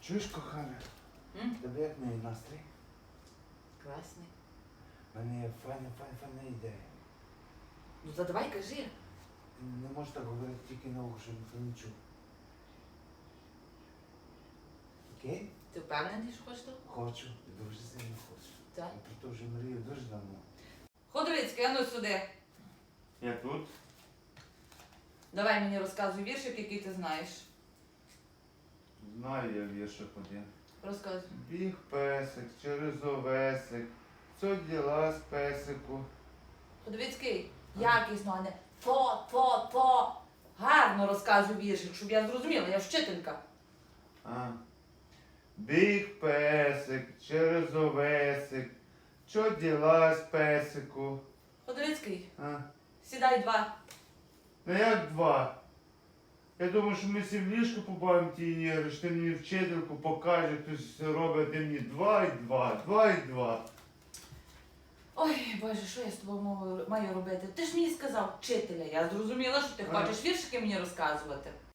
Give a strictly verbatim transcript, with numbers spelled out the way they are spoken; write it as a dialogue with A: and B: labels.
A: Чуєш, кохана?
B: М?
A: Тебе як мій настрій?
B: Класний.
A: У мене є файна, файна, файна ідея.
B: Ну то давай кажи.
A: Ти не можеш так говорити тільки на ухо, щоб ніхто не чув. Окей?
B: Ти впевнений, що хочеш того?
A: Хочу. Дуже сильно хочу.
B: Так.
A: Я про то вже мрію дуже давно.
B: Ходовицький, а ну сюди.
C: Я тут.
B: Давай мені розказуй віршик, який ти знаєш.
C: Знаю я віршик один.
B: Розказуй.
C: Біг песик через овесик. Що діла з песику?
B: Ходовицький, якісно, а не по-по-по. Гарно розказуй віршик, щоб я зрозуміла, я ж вчителька.
C: А. Біг песик через овесик. Що діла з песику?
B: Ходовицький,
C: А.
B: сідай два.
C: Ну як два? Я думаю, що ми всі в ліжку побавимо ті ігри, що ти мені вчительку покаже, хтось робить, а ти мені два і два, два і два.
B: Ой, Боже, що я з тобою маю- маю робити? Ти ж мені сказав вчителя, я зрозуміла, що ти
C: А.
B: хочеш віршики мені розказувати.